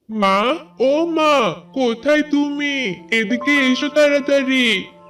মা, ও মা, কোথায় তুমি? এদিকে এসো তাড়াতাড়ি।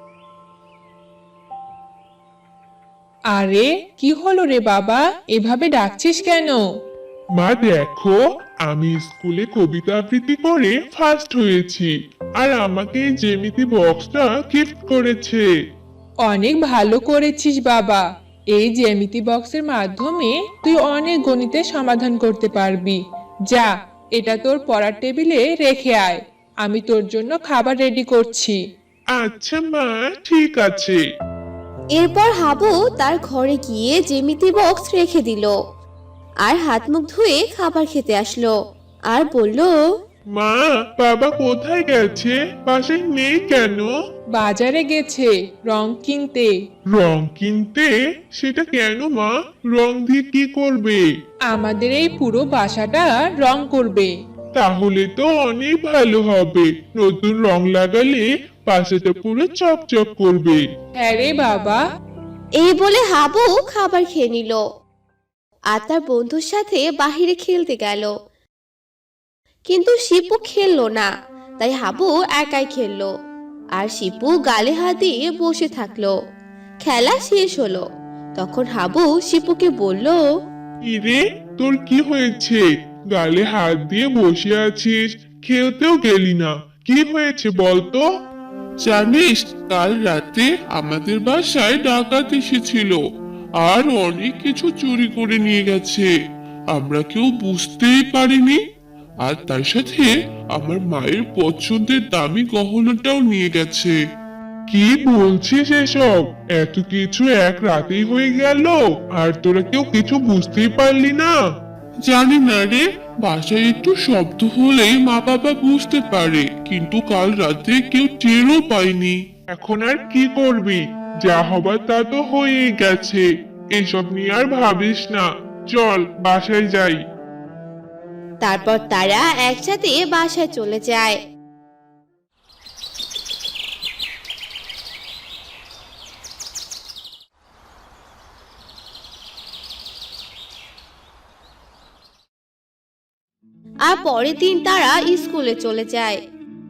আরে, কি হলো রে বাবা? এভাবে ডাকছিস কেন? মা দেখো, আমি স্কুলে কবিতা আবৃত্তি করে ফার্স্ট হয়েছি, আর আমাকে এই জ্যামিতি বক্সটা গিফট করেছে। অনেক ভালো করেছিস বাবা। এই জ্যামিতি বক্সের মাধ্যমে তুই অনেক গণিতের সমাধান করতে পারবি। যা, এটা তোর পড়ার টেবিলে রেখে আয়। আমি তোর জন্য খাবার রেডি করছি। আচ্ছা মা, ঠিক আছে। এরপর হাবু তার ঘরে গিয়ে জ্যামিতি বক্স রেখে দিল আর হাত মুখ ধুয়ে খাবার খেতে আসলো আর বলল, মা, বাবা কোথায় গেছে? বাসায় নেই কেন? বাজারে গেছে রং কিনতে। রং কিনতে? সেটা কেন মা? রং দিয়ে কি করবে? আমাদের এই পুরো বাসাটা রং করবে। তাহলে তো অনেক ভালো হবে। নতুন রং লাগালে বাসাটা পুরো চকচক করবে। হ্যাঁ রে বাবা। এই বলে হাবু খাবার খেয়ে নিল আর তার বন্ধুর সাথে বাহিরে খেলতে গেল। কিন্তু শিপু খেললো না, তাই হাবু একাই খেললো আর শিপু গালে হাত দিয়ে বসে থাকলো। খেলা শেষ হলো। তখন হাবু শিপুকে বলল, ইরে, তোর কি হয়েছে? গালে হাত দিয়ে বসে আছিস, খেলতেও গেলি না। কি হয়েছে বলতো? জানিস, কাল রাতে আমাদের বাসায় ডাকাত এসেছিল আর অনেক কিছু চুরি করে নিয়ে গেছে। আমরা কেউ বুঝতেই পারিনি। আর তার সাথে আমার মায়ের পছন্দের দামি গহনাটাও নিয়ে গেছে। কি বলছিস এসব? এত কিছু এক রাতেই হয়ে গেল আর তোরা কেউ কিছু বুঝতেই পারলি না? জানি না রে, বাসায় একটু শব্দ হলেই মা বাবা বুঝতে পারে, কিন্তু কাল রাতে কেউ টেরও পায়নি। এখন আর কি করবি? যা হবার তা তো হয়েই গেছে। এসব নিয়ে আর ভাবিস না। চল বাসায় যাই। তারপর তারা একসাথে বাসায় চলে যায়। আর পরের দিন তারা স্কুলে চলে যায়।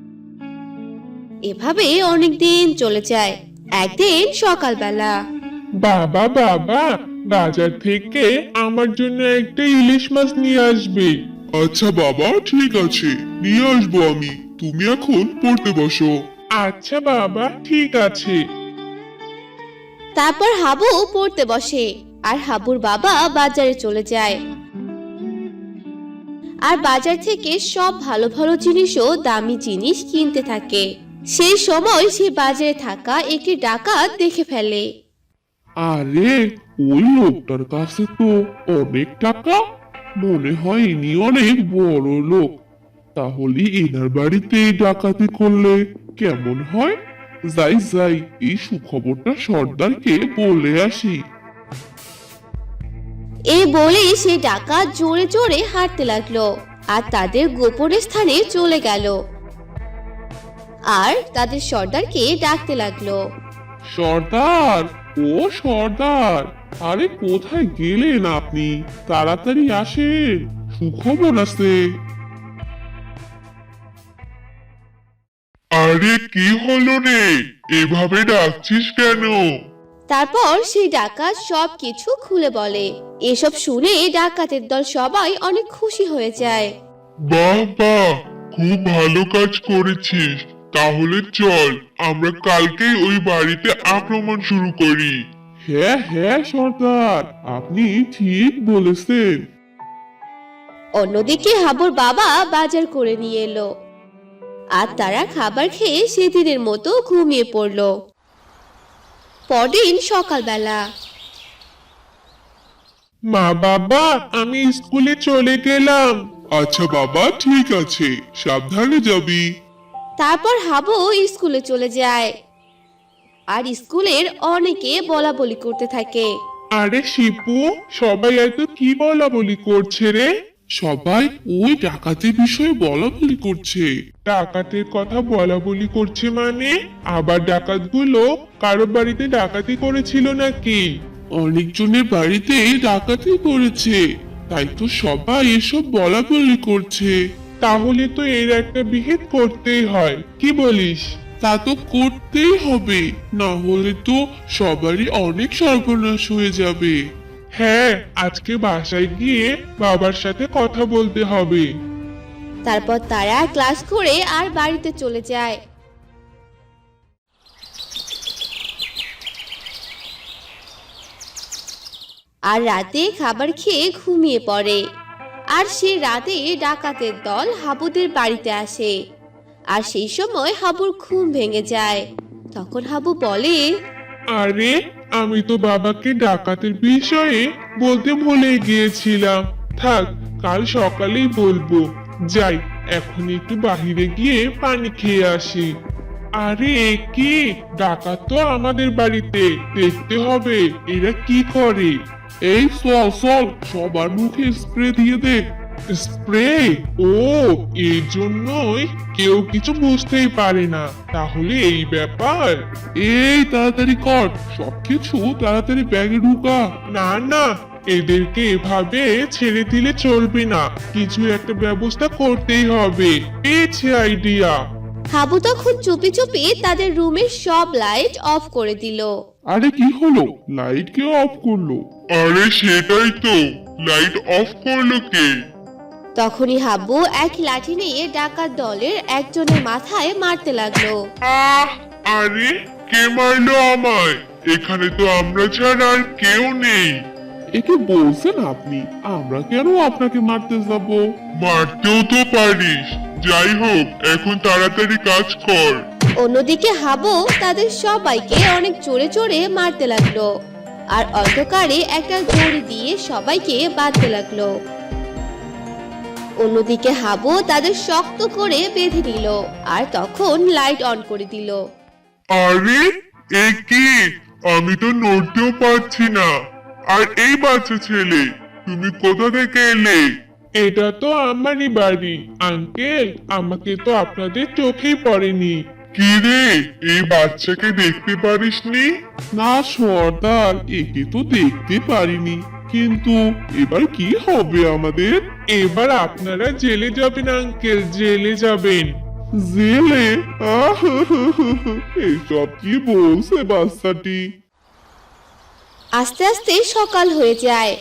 এভাবে অনেক দিন চলে যায়। একদিন সকালবেলা বাবা বাবা, বাজার থেকে আমার জন্য একটা ইলিশ মাছ নিয়ে আসবে। আচ্ছা বাবা, ঠিক আছে, নিয়ে আসবো আমি। তুমি এখন পড়তে বসো। আচ্ছা বাবা, ঠিক আছে। তারপর হাবু পড়তে বসে আর হাবুর বাবা বাজারে চলে যায়। আর বাজার থেকে সব ভালো ভালো জিনিস ও দামি জিনিস কিনতে থাকে। সেই সময় সে বাজারে থাকা একটি ডাকাত দেখে ফেলে। আরে, ওই লোকটার কাছে তো অনেক টাকা। মনে হয় ইনি অনেক বড় লোক। তাহলে এনার বাড়িতে ডাকাতি করলে কেমন হয়? যাই যাই, এই সুখবরটা সর্দারকে বলে আসি। এই বলে সে ডাকাত জোরে জোরে হাঁটতে লাগলো আর তাদের গোপন স্থানে চলে গেল আর তাদের সর্দারকে ডাকতে লাগলো। সর্দার, ও সর্দার, আরে কোথায় গেলেন আপনি? তাড়াতাড়ি আসেন, সুখবর আছে। আরে কি হলো রে? এভাবে ডাকছিস কেন? তারপর সেই ডাকাত সবকিছু খুলে বলে। এসব শুনে ডাকাতের দল সবাই অনেক খুশি হয়ে যায়। বাহ বাহ, খুব ভালো কাজ করেছিস। তাহলে চল আমরা কালকেই ওই বাড়িতে আক্রমণ শুরু করি। হ্যাঁ হ্যাঁ সর্দার, আপনি ঠিক বলেছেন। অন্যদিকে হাবুর বাবা বাজার করে নিয়ে এলো আর তারা খাবার খেয়ে সেদিনের মতো ঘুমিয়ে পড়লো। পরদিন সকালবেলা মা বাবা, আমি স্কুলে চলে গেলাম। আচ্ছা বাবা, ঠিক আছে, সাবধানে যাবি। তারপর হাবু স্কুলে চলে যায় আর স্কুলের অনেকে বলা বলি করতে থাকে। আরে শিপু, সবাই এত কি বলা বলি করছে রে? সবাই ওই ডাকাতের বিষয়ে বলা বলি করছে। ডাকাতের কথা বলা বলি করছে মানে? আবার ডাকাতগুলো কারো বাড়িতে ডাকাতি করেছিল নাকি? অনেকজনের বাড়িতে ডাকাতি করেছে, তাই তো সবাই এসব বলা বলি করছে। তাহলে তো এর একটা বিহিত করতেই হয়, কি বলিস? তা তো করতেই হবে, না হলে তো সবারই অনেক সর্বনাশ হয়ে যাবে। হ্যাঁ, আজকে বাসায় গিয়ে বাবার সাথে কথা বলতে হবে। তারপর তারা ক্লাস করে আর বাড়িতে চলে যায়। আর রাতে খাবার খেয়ে ঘুমিয়ে পড়ে। আর সে রাতে ডাকাতের দল হাবুদের বাড়িতে আসে। আর সেই সময় হাবুর ঘুম ভেঙে যায়। তখন হাবু বলে, আরে, আমি তো বাবাকে ডাকাতের বিষয়ে বলতে ভুলে গিয়েছিলাম। থাক, কাল সকালেই বলবো। যাই, এখন একটু বাহিরে গিয়ে পানি খেয়ে আসি। আরে এ কি, ডাকাত তো আমাদের বাড়িতে, দেখতে হবে এরা কি করে। এই চল চল, সবার মুখে স্প্রে দিয়ে দে। স্প্রে? ও, এই জন্যই কেউ কিছু বুঝতেই পারে না, তাহলে এই ব্যাপার। এই তাড়াতাড়ি কর, সবকিছু তাড়াতাড়ি ব্যাগে ঢুকা। না না, এদেরকে এভাবে ছেড়ে দিলে চলবে না, কিছু একটা ব্যবস্থা করতেই হবে। পেয়েছি আইডিয়া। হাবু তখন চুপি চুপি তাদের রুমের সব লাইট অফ করে দিল। আরে কি হলো, লাইট কে অফ করলো? আরে সেটাই তো, লাইট অফ করলো কে? তখনই হাবু এক লাঠি নিয়ে ডাকাত দলের একজনের মাথায় মারতে লাগলো। আরে কে মারলো আমায়? এখানে তো আমরা ছাড়া আর কেউ নেই। একে বলছেন আপনি, আমরা কেন আপনাকে মারতে যাব? মারতেও তো পারিস। যাই হোক, এখন তাড়াতাড়ি কাজ কর। অন্যদিকে হাবু তাদের সবাইকে অনেক জোরে জোরে মারতে লাগলো। আর অন্ধকারে একটা দড়ি দিয়ে সবাইকে বাঁধতে লাগলো। অন্যদিকে হাবু তাদের শক্ত করে বেঁধে নিল আর তখন লাইট অন করে দিল। আরে এ কি, আমি তো নড়তেও পারছি না। আর এই বাচ্চা ছেলে, তুমি কোথা থেকে এলে? এটা তো আমারই বাড়ি আঙ্কেল, আমাকে তো আপনাদের চোখেই পড়েনি। কি রে, এই বাচ্চাকে দেখতে পারিসনি? না সর্দার, একে তো দেখতে পারিনি, কিন্তু এবার কি হবে আমাদের? এবার আপনারা জেলে যাবেন আঙ্কেল, জেলে যাবেন। জেলে? এসব কি বলছে বাচ্চাটি? আস্তে আস্তে সকাল হয়ে যায়।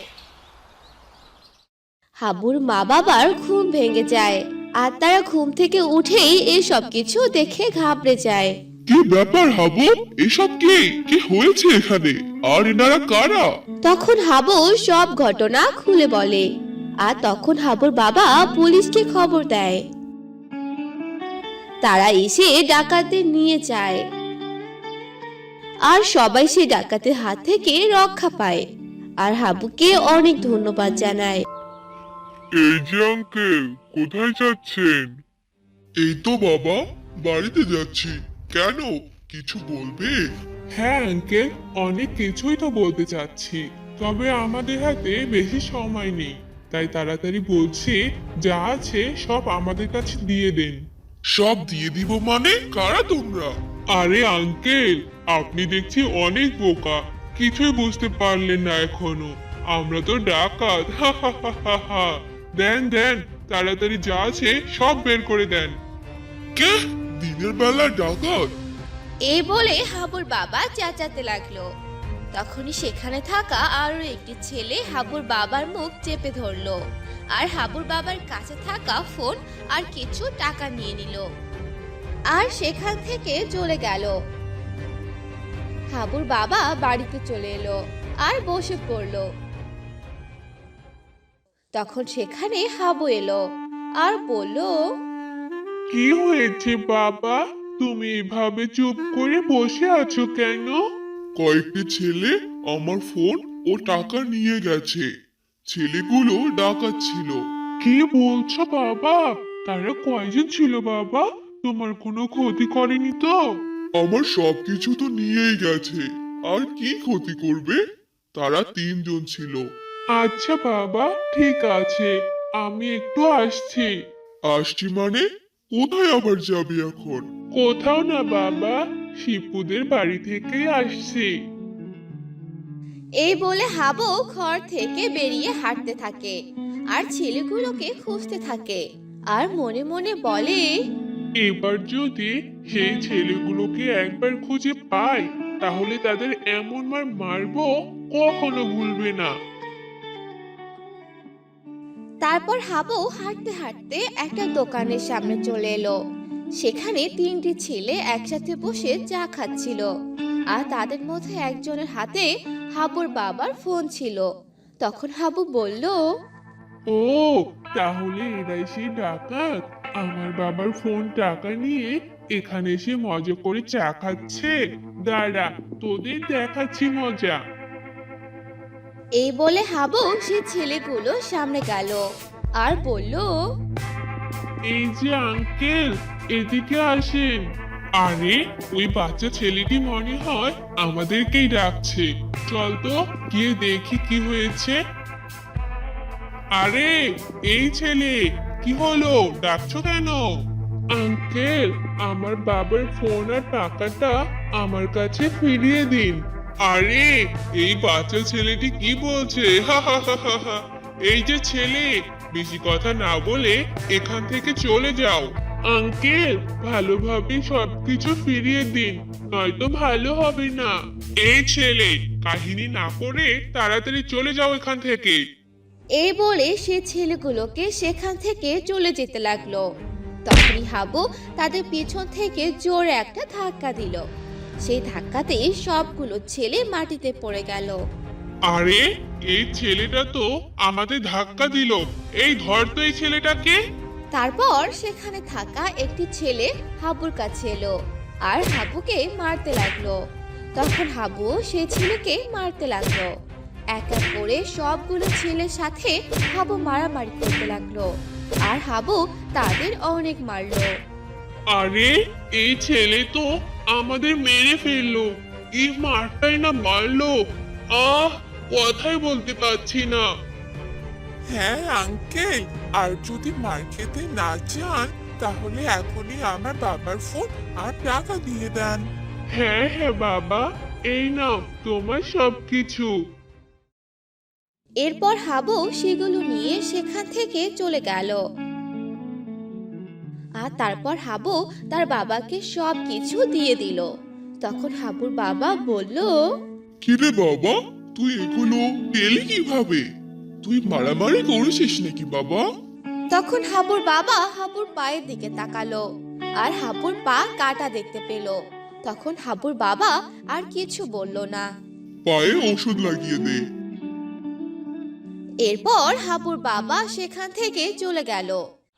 হাবুর মা বাবার ঘুম ভেঙে যায় আর তারা ঘুম থেকে উঠেই এসব কিছু দেখে ঘাবড়ে যায়। কি ব্যাপার হাবু, এসব কি কি হয়েছে এখানে? আর এনারা কারা? তখন হাবু সব ঘটনা খুলে বলে। আর তখন হাবুর বাবা পুলিশকে খবর দেয়। তারা এসে ডাকাতদের নিয়ে যায়। আর সবাই সেই ডাকাতের হাত থেকে রক্ষা পায় আর হাবুকে অনেক ধন্যবাদ জানায়। এই যে আঙ্কেল, কোথায় যাচ্ছেন? এই তো বাবা, বাড়িতে যাচ্ছি। কেন, কিছু বলবে? হ্যাঁ আঙ্কেল, অনেক কিছুই তো বলতে চাচ্ছি, তবে আমাদের হাতে বেশি সময় নেই, তাই তাড়াতাড়ি বলছি, যা আছে সব আমাদের কাছে দিয়ে দেন। সব দিয়ে দিব মানে? কারা তোমরা? আরে আঙ্কেল, আপনি দেখছি অনেক বোকা, কিছুই বুঝতে পারলেন না এখনো। আমরা তো ডাকাত, হা হা হা হা হা। দেন দেন, তাড়াতাড়ি যা আছে সব বের করে দেন। কে, দিনের বেলা ডাকাত? এই বলে হাবুর বাবা চেঁচাতে লাগলো। তখনই সেখানে থাকা আরো একটি ছেলে হাবুর বাবার মুখ চেপে ধরলো আর হাবুর বাবার কাছে থাকা ফোন আর কিছু টাকা নিয়ে নিল আর সেখান থেকে চলে গেল। হাবুর বাবা বাড়িতে চলে এলো আর বসে পড়লো। তখন সেখানে হাবু এলো আর বলল, কি হয়েছে বাবা, তুমি এভাবে চুপ করে বসে আছো কেন? কয়েকটি ছেলে আমার ফোন ও টাকা নিয়ে গেছে। ছেলেগুলো ডাকাত ছিল। কি বলছো বাবা? তারা কয়জন ছিল বাবা? তোমার কোনো ক্ষতি করেনি তো? আমার সবকিছু তো নিয়েই গেছে, আর কি ক্ষতি করবে? তারা 3 জন ছিল। আচ্ছা বাবা, ঠিক আছে, আমি একটু আসছি। আসছি মানে? কোথায় আবার যাবি এখন? কোথাও না বাবা, শিপুদের বাড়ি থেকেই আসছি। এই বলে হাবু ঘর থেকে বেরিয়ে হাঁটতে থাকে আর ছেলেগুলোকে খুঁজতে থাকে আর মনে মনে বলে, এবার যদি সেই ছেলেগুলোকে একবার খুঁজে পাই তাহলে তাদের এমন মার মারবো কখনো ভুলবে না। তারপর হাবু হাঁটতে হাঁটতে একটা দোকানের সামনে চলে এলো। সেখানে তিনটি ছেলে একসাথে বসে চা খাচ্ছিল, আর তাদের মধ্যে একজনের হাতে হাবুর বাবার ফোন ছিল। তখন হাবু বলল, ও, তাহলে এরাই সেই ডাকাত আমার বাবার ফোন টাকা নিয়ে এখানে এসে মজা করে চা খাচ্ছে। দাঁড়া, তোদের দেখাচ্ছি মজা। এই বলে হাবু সে ছেলেগুলো সামনে গেল আর বলল, এই যে আঙ্কেল, এদিকে আসেন। আরে, ওই বাচ্চা ছেলেটি মনে হয় আমাদেরকেই ডাকছে। চল তো গিয়ে দেখি কি হয়েছে। আরে, এই ছেলে, কি হলো, ডাকছো কেন? আঙ্কেল, আমার বাবার ফোন আর টাকাটা আমার কাছে ফিরিয়ে দিন। আরে, এই বাচ্চা ছেলেটি কি বলছে? হা হা হা হা হা। এই যে ছেলে, বেশি কথা না বলে এখান থেকে চলে যাও। আঙ্কেল, ভালোভাবে সবকিছু ফিরিয়ে দিন, নয়তো ভালো হবে না। এই ছেলে, কাহিনী না করে তাড়াতাড়ি চলে যাও এখান থেকে। এই বলে সে ছেলেগুলোকে সেখান থেকে চলে যেতে লাগলো। তখনই হাবু তাদের পিছন থেকে জোরে একটা ধাক্কা দিল। সেই ধাক্কাতেই সবগুলো ছেলে মাটিতে পড়ে গেল। আরে, এই ছেলেটা তো আমাদের ধাক্কা দিল। এই ধর তো এই ছেলেটাকে। তারপর সেখানে থাকা একটি ছেলে হাবুর কাছে এলো আর হাবুকে মারতে লাগলো। তখন হাবু সেই ছেলেকে মারতে লাগলো। এক এক করে সবগুলো ছেলের সাথে হাবু মারামারি করতে লাগলো, আর হাবু তাদের অনেক মারলো। আরে, এই ছেলে তো আমাদের মেরে ফেললো। কি মারটাই না মারলো। আহ, কথাই বলতে পারছি না। হ্যাঁ আঙ্কেল, আর যদি মার খেতে না চান তাহলে এখনই আমার বাবার ফোন আর টাকা দিয়ে দেন। হ্যাঁ হ্যাঁ বাবা, এই নাও তোমার সবকিছু। এরপর হাবু সেগুলো নিয়ে সেখান থেকে চলে গেল। আর তারপর হাবু তার বাবাকে সবকিছু দিয়ে দিল। তখন হাবুর বাবা বলল, কিরে বাবা, তুই এগুলো পেলি কিভাবে? তুই মারামারি করেছিস নাকি বাবা? তখন হাবুর বাবা হাবুর পায়ের দিকে তাকালো আর হাবুর পা কাটা দেখতে পেল। তখন হাবুর বাবা আর কিছু বলল না। পায়ে ওষুধ লাগিয়ে দে। এরপর হাবুর বাবা সেখান থেকে চলে গেল।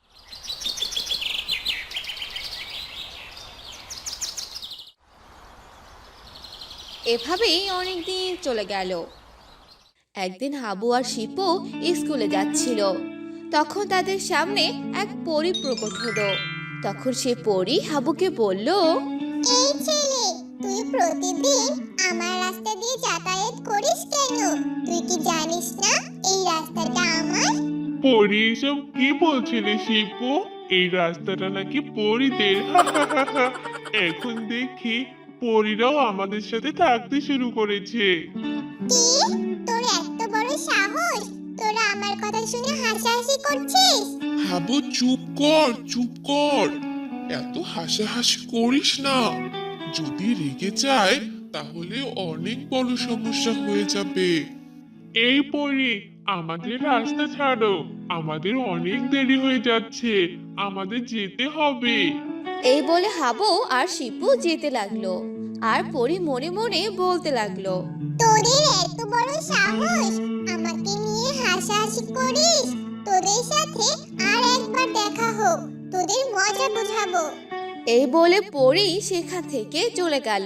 এভাবেই অনেকদিন চলে গেল। একদিন হাবু আর শিপু স্কুলে যাচ্ছিল। তখন তাদের সামনে এক পরী প্রকট হলো। তখন সে পরী হাবুকে বলল, এই ছেলে, তুই প্রতিদিন আমার রাস্তা দিয়ে যাতায়াত করিস কেন? তুই কি জানিস না এই রাস্তাটা আমার? পরি, এসব কি বলছিলে শিপু? এই রাস্তাটা নাকি পরিদের। এখন দেখি পরিরাও আমাদের সাথে থাকতে শুরু করেছে। কি, তোর এত বড় সাহস? তোরা আমার কথা শুনে হাসাহাসি করছিস? হাবু চুপ কর, চুপ কর। এত হাসাহাসি করিস না। যদি রেগে যায় তাহলে অনেক বড় সমস্যা হয়ে যাবে। এই পরি, আমাদের রাস্তা ছাড়ো, আমাদের অনেক দেরি হয়ে যাচ্ছে, আমাদের যেতে হবে। এই বলে হাবু আর শিপু যেতে লাগলো। আর পরী মনে মনে বলতে লাগলো, তোদের এত বড় সাহস, আমাকে নিয়ে হাসাহাসি করিস? তোদের সাথে আর একবার দেখা হোক, তোদের মজা বোঝাবো। এই বলে পরী সেখান থেকে চলে গেল।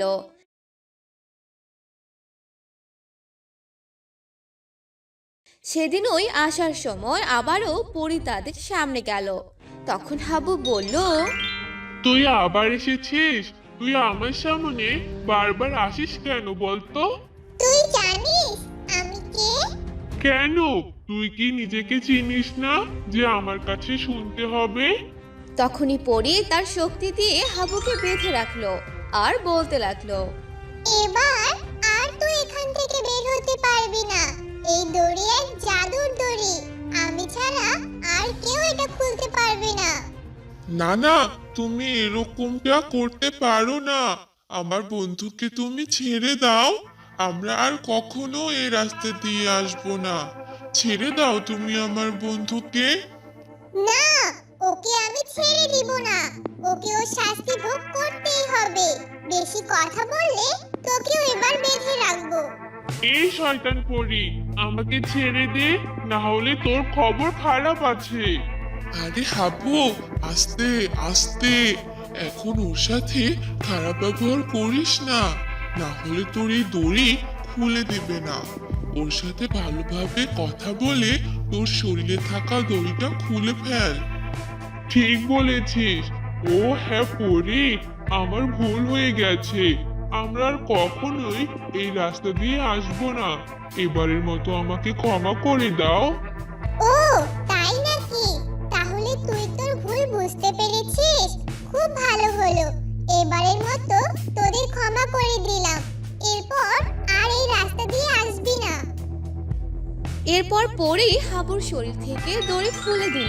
সেদিনই আসার সময় আবারও পরী তাদের সামনে গেল। তখন হাবু বলল, তুই আবার এসেছিস? তুই আমার সামনে বারবার আসিস কেন বলতো? তুই জানিস আমি কে? কেন? তুই কি নিজেকে চিনিস না যে আমার কাছে শুনতে হবে? তখনই পরী তার শক্তি দিয়ে হাবুকে বেঁধে রাখলো আর বলতে লাগলো, এবার আর তুই এখান থেকে বের হতে পারবি না। এই দড়ি এক জাদুর দড়ি, আমি ছাড়া আর কেউ এটা খুলতে পারবে না। না না, তুমি এরকমটা করতে পারো না। আমার বন্ধুকে তুমি ছেড়ে দাও। আমরা আর কখনো এই রাস্তা দিয়ে আসবো না। ছেড়ে দাও তুমি আমার বন্ধুকে। না, ওকে আমি ছেড়ে দিব না। ওকে ওর শাস্তি ভোগ করতেই হবে। বেশি কথা বললে তোকেও এবার বেঁধে রাখবো। এই শয়তান পরি, আমাকে ছেড়ে দে, না হলে তোর খবর খারাপ আছে। আরে হাবু, আস্তে আস্তে। এখন ওর সাথে খারাপ ব্যবহার করিস না, না হলে তোর এই দড়ি খুলে দেবে না। ওর সাথে ভালোভাবে কথা বলে তোর শরীরে থাকা দড়িটা খুলে ফেল। ঠিক বলেছিস। ও হ্যাঁ পরি, আমার ভুল হয়ে গেছে। আমরা আর কখনোই এই রাস্তা দিয়ে আসবো না। এবারের মতো আমাকে ক্ষমা করে দাও। ও তাই নাকি? তাহলে তুই তোর ভুল বুঝতে পেরেছিস। খুব ভালো হলো। এবারের মতো তোদের ক্ষমা করে দিলাম। এরপর আর এই রাস্তা দিয়ে আসবি না। এরপর পরেই হাবুর শরীর থেকে দড়ি খুলে দিল।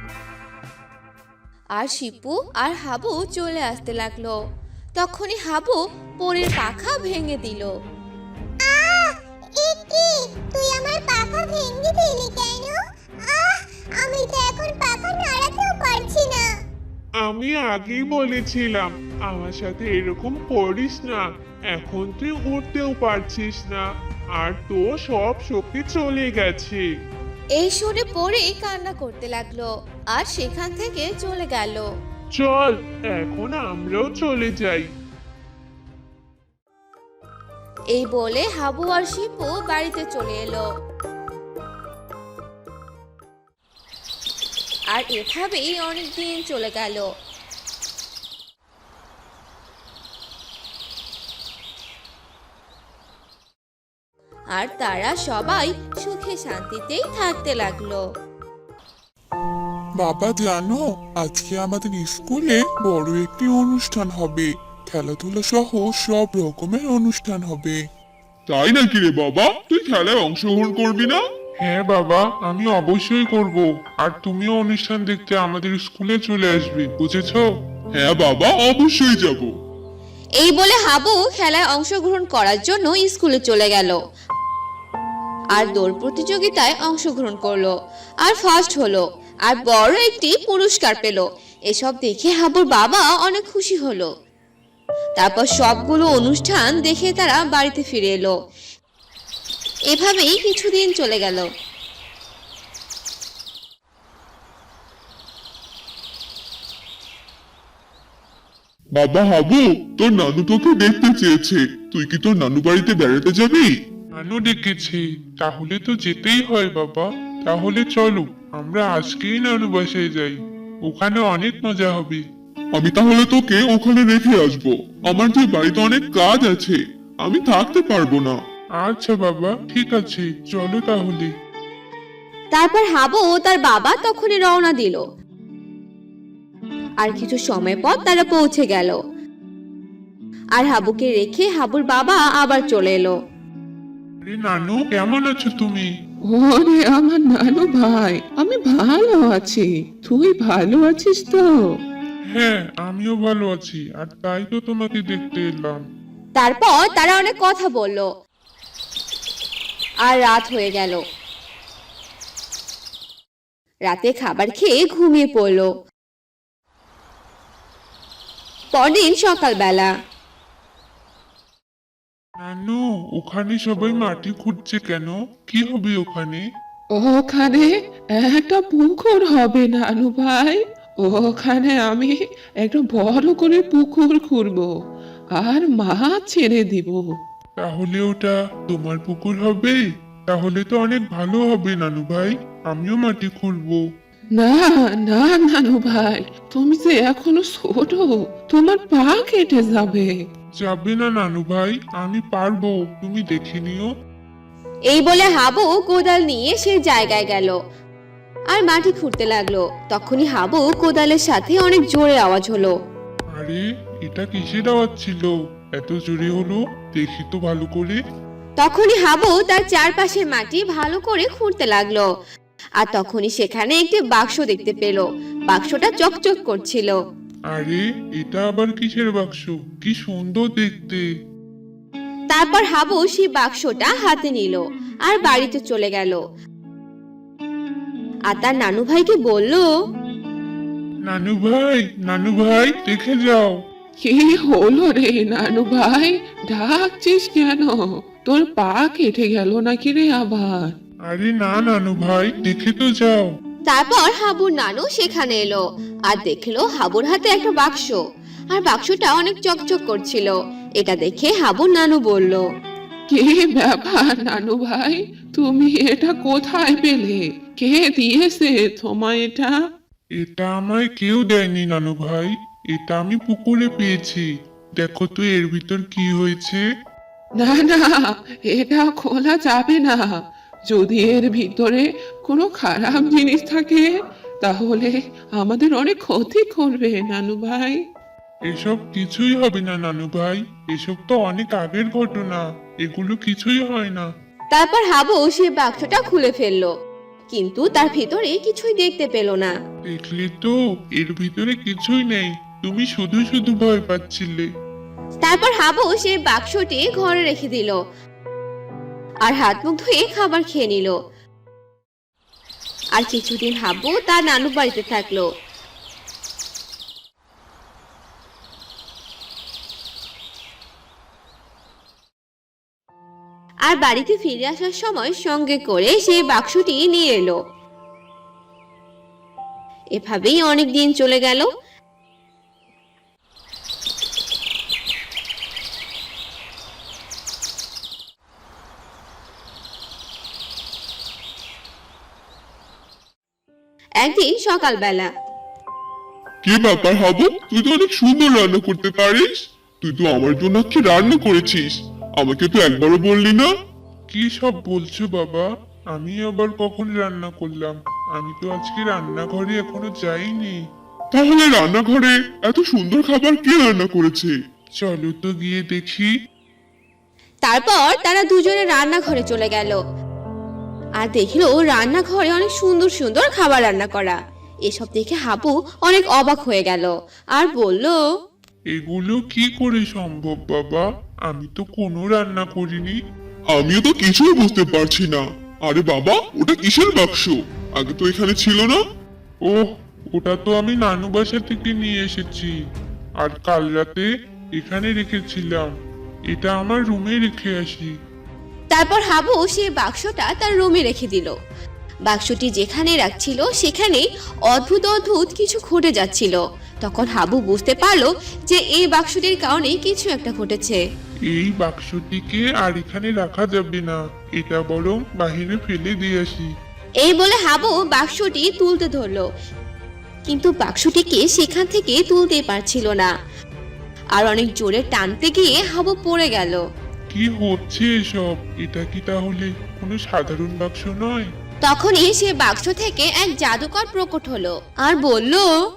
আর শিপু আর হাবু চলে আসতে লাগলো। তখনই হাবু পরীর পাখা ভেঙে দিল। এ কি? তুই আমার পাখা ভেঙে দিলি কেন? আমি তো এখন পাখা নাড়াতেও পারছি না। আমি আগেই বলেছিলাম আমার সাথে এরকম করিস না। এখন তুই উঠতেও পারছিস না, আর তোর সব শক্তি চলে গেছে। এই শুনে পরেই কান্না করতে লাগলো আর সেখান থেকে চলে গেল। চল এখন আমরাও চলে যাই। এই বলে হাবু আর শিপু বাড়িতে চলে এলো। আর এভাবেই অনেক দিন চলে গেল। আর তারা সবাই সুখে শান্তিতেই থাকতে লাগলো। বাবা জানো, আজকে আমাদের স্কুলে বড় একটি অনুষ্ঠান হবে। খেলাধুলা সহ সব রকমের অনুষ্ঠান হবে। তাই নাকি রে বাবা? তুই খেলায় অংশগ্রহণ করবি না? হ্যাঁ বাবা, আমি অবশ্যই করব। আর তুমিও অনুষ্ঠান দেখতে আমাদের স্কুলে চলে আসবে, বুঝেছো? হ্যাঁ বাবা, অবশ্যই যাব। এই বলে হাবু খেলায় অংশগ্রহণ করার জন্য স্কুলে চলে গেল। আর দৌড় প্রতিযোগিতায় অংশগ্রহণ করলো আর ফার্স্ট হলো আর বড় একটি পুরস্কার পেল। এসব দেখে হাবুর বাবা অনেক খুশি হলো। তারপর সবগুলো অনুষ্ঠান দেখে তারা বাড়িতে ফিরে এলো। এভাবেই কিছুদিন চলে গেল। বাবা হাবু, তোর নানু তোকে দেখতে চেয়েছে। তুই কি তোর নানু বাড়িতে বেড়াতে যাবি? নানু ডেকেছি, তাহলে তো যেতেই হয় বাবা। তাহলে চলো আমরা আজকেই নানু বাসায় যাই, ওখানে অনেক মজা হবে। আমি তাহলে তোকে ওখানে রেখে আসবো। আমার যে বাড়িতে অনেক কাজ আছে, আমি থাকতে পারবো না। আচ্ছা বাবা, ঠিক আছে, চলো তাহলে। তারপর হাবু ও তার বাবা তখনই রওনা দিল। আর কিছু সময় পর তারা পৌঁছে গেল। আর হাবুকে রেখে হাবুর বাবা আবার চলে এলো। আরে নানু, কেমন আছো তুমি? ওরে আমার নানু ভাই, আমি ভালো আছি। তুই ভালো আছিস তো? হ্যাঁ, আমিও ভালো আছি, আর তাই তো তোমাকে দেখতে এলাম। তারপর তারা অনেক কথা বলল। আর রাত হয়ে গেল। রাতে খাবার খেয়ে ঘুমিয়ে পড়ল। পরদিন সকালবেলা নানু, ওখানে সবাই মাটি খুঁড়ছে কেন? কি হবে ওখানে? ওখানে একটা পুকুর হবে নানু ভাই। ওখানে আমি একটা বড় করে পুকুর খুঁড়বো আর মাছ ছেড়ে দিব। তাহলে ওটা তোমার পুকুর হবে? তাহলে তো অনেক ভালো হবে নানু ভাই, আমিও মাটি খুঁড়বো। না না নানু ভাই, তুমি যে এখনো ছোট, তোমার পা কেটে যাবে। যাবে না নানু ভাই, আমি পারবো, তুমি দেখে নিও। এই বলে হাবু কোদাল নিয়ে সেই জায়গায় গেল আর মাটি খুঁড়তে লাগলো। তখনই হাবু কোদালের সাথে অনেক জোরে আওয়াজ হলো। আরে, এটা কিসের আওয়াজ ছিল? এত জোরে হলো, দেখি তো ভালো করে। তখনই হাবু তার চারপাশের মাটি ভালো করে খুঁড়তে লাগলো। আর তখনই সেখানে একটি বাক্স দেখতে পেল। বাক্সটা চকচক করছিল। আরে এটা আবার কিসের বাক্স? কি সুন্দর দেখতে। তারপর হাবু সেই বাক্সটা হাতে নিল আর বাড়িতে চলে গেল। আর তার নানু ভাইকে বলল, নানু ভাই দেখে যাও। কি হলো রে নানু ভাই, ডাকছিস কেন? তোর পা কেটে গেল নাকি রে আবার? আরে না নানু ভাই, দেখে তো যাও। তারপর হাবুর নানু সেখানে এলো আর দেখলো হাবুর হাতে একটা বাক্স। আর বাক্সটা অনেক চকচক করছিল। এটা দেখে হাবুর নানু বলল, কি ব্যাপার নানু ভাই, তুমি এটা কোথায় পেলে? কে দিয়েছে তোমায় এটা? এটা আমায় কেউ দেয়নি নানু ভাই, এটা আমি পুকুরে পেয়েছি। দেখো তো এর ভিতর কি হয়েছে। না না, এটা খোলা যাবে না। যদি এর ভিতরে কোনো খারাপ জিনিস থাকে তাহলে আমাদের অনেক ক্ষতি করবে নানু ভাই। এসব কিছুই হবে না নানু ভাই, এসব তো অনেক আগের ঘটনা, এগুলো কিছুই হয় না। তারপর হাবু সেই বাক্সটা খুলে ফেললো, কিন্তু তার ভিতরে কিছুই দেখতে পেল না। দেখলে তো এর ভিতরে কিছুই নেই, তুমি শুধু শুধু ভয় পাচ্ছিলে। তারপর হাবু সেই বাক্সটি ঘরে রেখে দিল আর হাত মুখ ধুয়ে খাবার খেয়ে নিল। আর কিছুদিন হাবু তার নানু বাড়িতে থাকলো। আর বাড়িতে ফিরে আসার সময় সঙ্গে করে সেই বাক্সটি নিয়ে এলো। এভাবেই অনেক দিন চলে গেল। একদিন সকালবেলা, কি ব্যাপার হাবু, তুই তো অনেক সুন্দর রান্না করতে পারিস। তুই তো আমার জন্য কি রান্না করেছিস? আমাকে তো একবারও বললি না। কি সব বলছো বাবা? আমি আবার কখন রান্না করলাম? আমি তো আজকে রান্নাঘরে এখনো যাইনি। তাহলে রান্নাঘরে এত সুন্দর খাবার কে রান্না করেছে? চলো তো গিয়ে দেখি। তারপর তারা দুজনে রান্নাঘরে চলে গেল আর দেখলো রান্নাঘরে অনেক সুন্দর সুন্দর খাবার রান্না করা। এসব দেখে হাবু অনেক অবাক হয়ে গেল আর বলল, এগুলো কি করে সম্ভব বাবা? আমি তো কোনো রান্না করিনি। আমিও তো কিছুই বুঝতে পারছি না। আরে বাবা, ওটা কিসের বাক্স? আগে তো এখানে ছিল না। ওহ, ওটা তো আমি নানু বাসা থেকে নিয়ে এসেছি, আর কাল রাতে এখানে রেখেছিলাম। এটা আমার রুমে রেখে আসি। তারপর হাবু সেই বাক্সটা তার রুমে রেখে দিল। বাক্সটি যেখানে রাখছিল সেখানে অদ্ভুত অদ্ভুত কিছু ঘটে যাচ্ছিল। তখন হাবু বুঝতে পারলো যে এই বাক্সটির কারণে কিছু একটা ঘটেছে। এই বাক্সটিকে আর এখানে রাখা যাবে না, এটা বরং বাহিরে ফেলে দিয়ে আসি। এই বলে হাবু বাক্সটি তুলতে ধরলো, কিন্তু বাক্সটিকে সেখান থেকে তুলতে পারছিল না। আর অনেক জোরে টানতে গিয়ে হাবু পড়ে গেল। কি হচ্ছে এসব? এটা কি তাহলে কোনো সাধারণ বাক্স নয়? তখনই সে বাক্স থেকে এক জাদুকর প্রকট হলো আর বলল,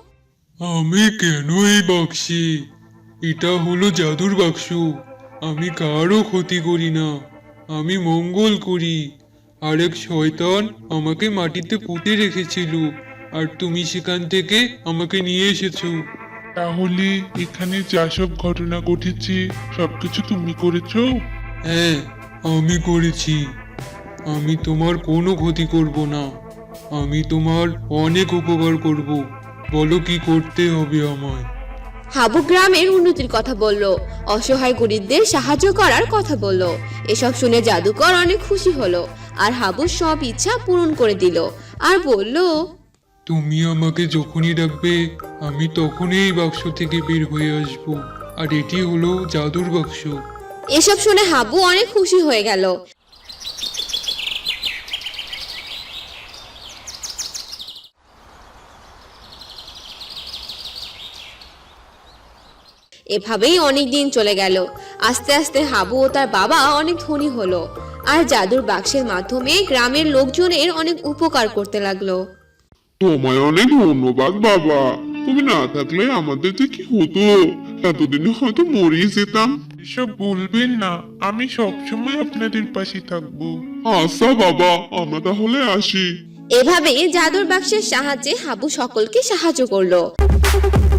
আমি কেন এই বাক্সে? এটা হলো জাদুর বাক্স। আমি কারও ক্ষতি করি না, আমি মঙ্গল করি। আর এক শয়তান আমাকে মাটিতে পুঁতে রেখেছিল, আর তুমি সেখান থেকে আমাকে নিয়ে এসেছো। তাহলে এখানে যা সব ঘটনা ঘটেছে সবকিছু তুমি করেছো? হ্যাঁ, আমি করেছি। আমি তোমার কোনো ক্ষতি করব না, আমি তোমার অনেক উপকার করব। বলো কি করতে হবে আমায়? হাবু গ্রামের উন্নতির কথা বলল, অসহায় গরিবদের সাহায্য করার কথা বলল। এসব শুনে জাদুকর অনেক খুশি হলো আর হাবুর সব ইচ্ছা পূরণ করে দিল আর বলল, তুমি আমাকে যখনই ডাকবে আমি তখনই এই বাক্স থেকে বের হয়ে আসব। আর এটি হলো জাদুর বাক্স। এসব শুনে হাবু অনেক খুশি হয়ে গেল। এভাবেই অনেক দিন চলে গেল। আস্তে আস্তে হাবু ও তার বাবা অনেক ধনী হলো আর জাদুর বাক্সের মাধ্যমে গ্রামের লোকজনের অনেক উপকার করতে লাগলো। তোমায় অনেক ধন্যবাদ বাবা, তুমি না থাকলে আমাদের যে কি হতো, এতদিনে হয়তো মরেই যেতাম। এসব বলবেন না, আমি সবসময় আপনাদের পাশে থাকবো। আচ্ছা বাবা, আমরা তাহলে আসি। এভাবে জাদুর বাক্সের সাহায্যে হাবু সকলকে সাহায্য করলো।